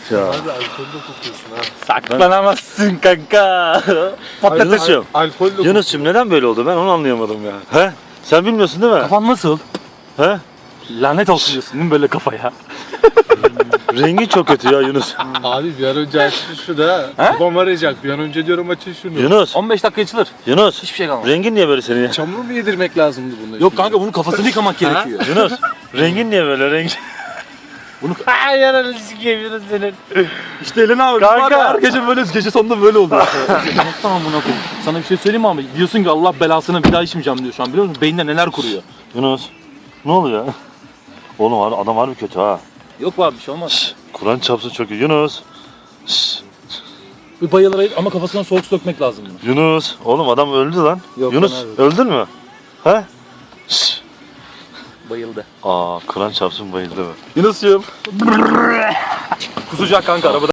Ya. Abi alkollü kokuyorsun ha. Saklanamazsın kanka. Yunus'cum. Alkollü Yunus'cum neden böyle oldu ben onu anlayamadım ya. He? Sen bilmiyorsun değil mi? Kafan nasıl? He? Lanet olsun diyorsun değil mi böyle kafaya? Rengi çok kötü ya Yunus. Abi bir an önce açın şunu ha. Babam arayacak. Bir an önce diyorum açın şunu. Yunus. 15 dakika açılır. Yunus. Hiçbir şey kalmaz. Rengin niye böyle senin ya? Çamur mu yedirmek lazımdı bunda? Yok kanka bunun kafasını yıkamak gerekiyor. Yunus. Rengin niye böyle renk? Bunu Ay yanarı sikeyim Yunus senin. işte elini abi. Kanka. Var ya, her gece böyle gece sonunda böyle oldu. Tamam buna koy. Sana bir şey söyleyeyim mi abi? Diyorsun ki Allah belasını bir daha içmeyeceğim diyor şu an biliyor musun? Beyninde neler kuruyor. Yunus. Ne oluyor? Oğlum adam harbi kötü ha. Yok abi bir şey olmaz. Kur'an çapsın çok iyi. Yunus. Şşş. Bir bayılara ama kafasına soğuk su dökmek lazım bunu. Yunus. Oğlum adam öldü lan. Yok, Yunus ben abi. öldün mü? He? Şşş. Bayıldı. Aa Kur'an çapsın bayıldı mı? Yunus'cum. Kusacak kanka arabada.